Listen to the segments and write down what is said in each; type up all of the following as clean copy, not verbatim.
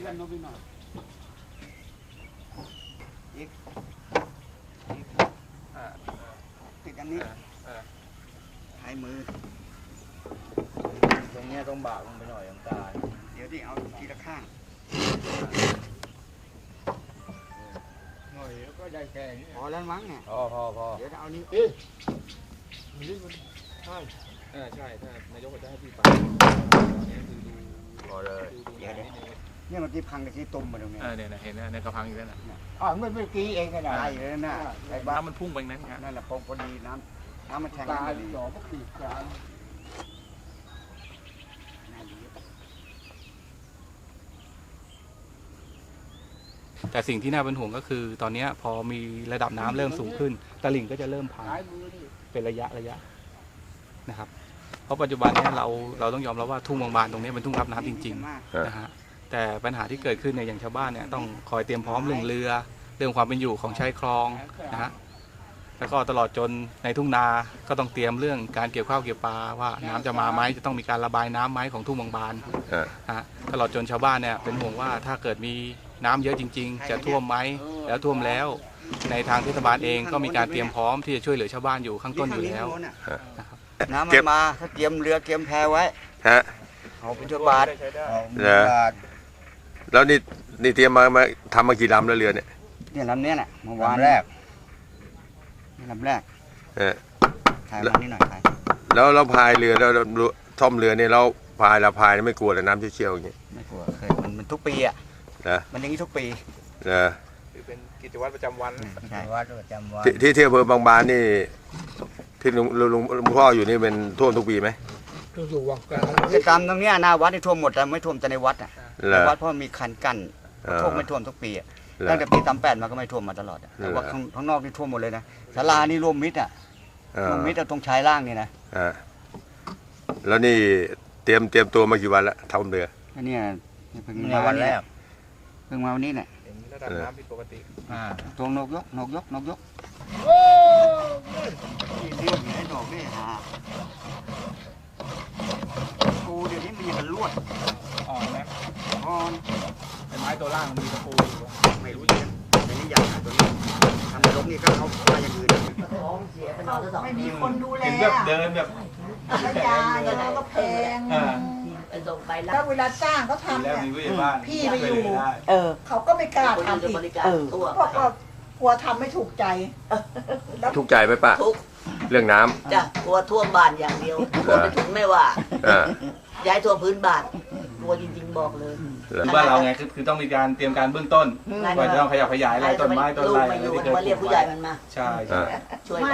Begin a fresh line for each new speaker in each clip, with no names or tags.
กันโน้มไปหน่อยอีกติดอันนี้หายมือ
ตรงนี้ต้องบากลงไปหน่อยน้ำตาล
เดี๋ยวดิเอาทีละข้าง
หน่อยแล้วก็ได้แค่นี้
พอแล้วมั้งเนี่ย
พอ
เดี๋ยวเอานี้
นี่มันใช่
ใช่ถ้านายกจะให้พี่ฟังนี่คือดู
พอเลย
เดี๋ยวเนี่ยมันที่พังกับที่ตุ่มมาตรงนี้
เนี่ยเห็นนะในกระพังอยู่นั่นน่ะ
เมื่อกี้เองก็ได้เลยนะไอ้บ้า
น้ำมันพุ่งไปนั้นครับ
นั่นแหละพอดีน้ำมันแทงกันพอดี
จ่อก็ปีกกลาง
แต่สิ่งที่น่าเป็นห่วงก็คือตอนนี้พอมีระดับน้ำเริ่มสูงขึ้นตลิ่งก็จะเริ่มพังเป็นระยะนะครับเพราะปัจจุบันนี้เราต้องยอมรับว่าทุ่งบางบานตรงนี้เป็นทุ่งรับน้ำจริงๆนะฮะแต่ปัญหาที่เกิดขึ้นเนี่ยอย่างชาวบ้านเนี่ยต้องคอยเตรียมพร้อมเรื่องเรือเรื่องความเป็นอยู่ของชายคลองนะฮะแล้วก็ตลอดจนในทุ่งนาก็ต้องเตรียมเรื่องการเกี่ยวข้าวเกี่ยวปลาว่าน้ำจะมาไหมจะต้องมีการระบายน้ำไหมของทุ่งบางบานนะฮะตลอดจนชาวบ้านเนี่ยเป็นห่วงว่าถ้าเกิดมีน้ำเยอะจริงๆจะท่วมไหมแล้วท่วมแล้วในทางเทศบาลเองก็มีการเตรียมพร้อมที่จะช่วยเหลือชาวบ้านอยู่ข้างต้นอยู่แล้วนะครับ
น้ำมันมาถ้าเตรียมเรือเตรียมแพไว้เอาเป็นบาท
แล้วนี่เตรียมมาทำมากี่ลำแล้วเรือเนี่ย
ลำนี้แหละเมื่อวานแรกนี่ลำแรกถ่ายมานี่หน่อยถ่าย
แล้วเราพายเรือแล้วท่อมเรือเนี่ยเราพายไม่กลัวเลยน้ำเชี่ยวๆอย่างเงี้ย
ไม่กลัวเคยมันทุกปีอ่ะมันอย่างนี้ทุกปี
คือเป็นกิจวัตรประจำวัน
ที่เที่ยวอำเภอบางบานนี่ที่ลุงพ่ออยู่นี่เป็นท่วมทุกปีไหม
อยู่วังกลาง
จะตามตรงนี้หน้าวัดที่ท่วมหมดแต่ไม่ท่วมแต่ในวัดอ่ะในวัดเพราะมีคันกั้นท่วมไม่ท่วมทุกปีตั้งแต่ปี38มาก็ไม่ท่วมมาตลอดแต่ว่าข้างนอกนี่ท่วมหมดเลยนะศาลานี่รวมมิตรรวมมิตรตรงชายล่างนี่นะ
แล้วนี่เตรียมตัวมากี่วันแล้วทำเรือ
อันนี้เพิ่งมาวันแรกเพิ่งมาวันนี้เนี่ย
ระดับน้ำผิดปกติ
ตัวนกยกเรื่องไอ้ดอกนี่ฮะปูเดี๋ยวนี้มันยังลวด
นะไอ้ไม้ตัวล่างมีตะปู
ไม่รู้ยังแต่นี่อย่างตัวนี้ทำในรกนี่ก็เขามาอย่างอื่น
ไม่มีคนดูแล
เดินแบบ
ยาอย่างก็แพงแล้วเวลาจ้างเขาทำเนี่ยพี่ไปอยู่เขาก็ไม่กล้าทำอีกเพราะกลัวทำไม่ถูกใจ
ถูกใจไหมป้าเรื่องน้
ำจ้ะกลัวท่วมบ้านอย่างเดียวท่วมไปถึงไม่ว่าย้ายท่วมพื้นบ้านกลัวจริงๆบอกเลย
บ้านเราไงคือต้องมีการเตรียมการเบื้องต้นก่อนจะต้องขยับขยายอะไรต้นไม้ต้นไรอะไรที่เคย
มาเรียกผู้ใหญ่มันมา
ใช่
ช่วย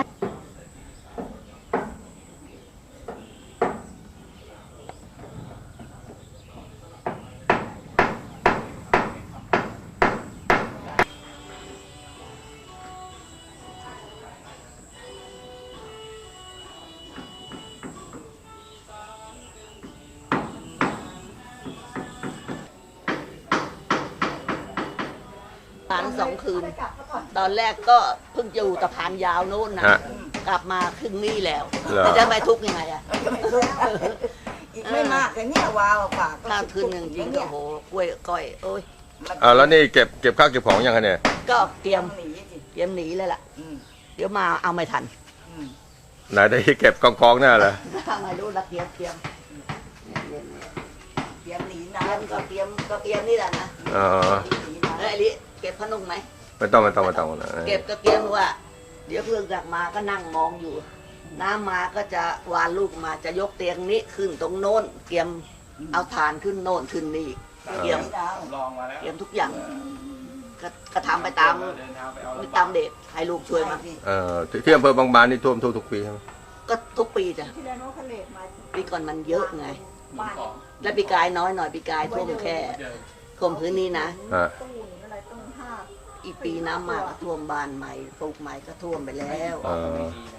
2 คืนตอนแรกก็เพิ่งอยู่ตะพานยาวโน่นนะกลับมาครึ่งนี้แล้วจะไม่ทุกข์ยังไงอ่ะ
อีกไม่มากแต่เนี่ยวาวฝาก
ถ้าคืนหนึ่งจริงก็โหกล้วยก้อยโอ้ย
แล้วนี่เก็บข้าวเก็บของยังไงเนี่ย
ก็เตรียมหนีเลยล่ะเดี๋ยวมาเอาไม่ทัน
ไหนได้เก็บกองๆน่าเหรอ
ไม่รู้ละเตรียมหนีน้ำก็เตรียมนี่แหละนะไอ้ลิเก็บพนุ่งไหม
ไม่ต้อง
เก็บก็เตรียมว่าเดี๋ยวเพื่อนกลับมาก็นั่งมองอยู่น้ำมาก็จะวานลูกมาจะยกเตียงนี้ขึ้นตรงโน้นเตรียมเอาถ่านขึ้นโน้นขึ้นนี่เตรียมทุกอย่างก็ทำไปตามเด็กให้ลูกช่วยมา
ที่อำเภอบางบานนี่ท่วมทุกปีใช่ไหม
ก็ทุกปีจ้ะปีก่อนมันเยอะไงและปีกายน้อยหน่อยปีกายท่วมแค่ท่วมพื้นนี้นะอีกปีน้ำมาก็ท่วมบ้านใหม่ปลูกใหม่ก็ท่วมไปแล้ว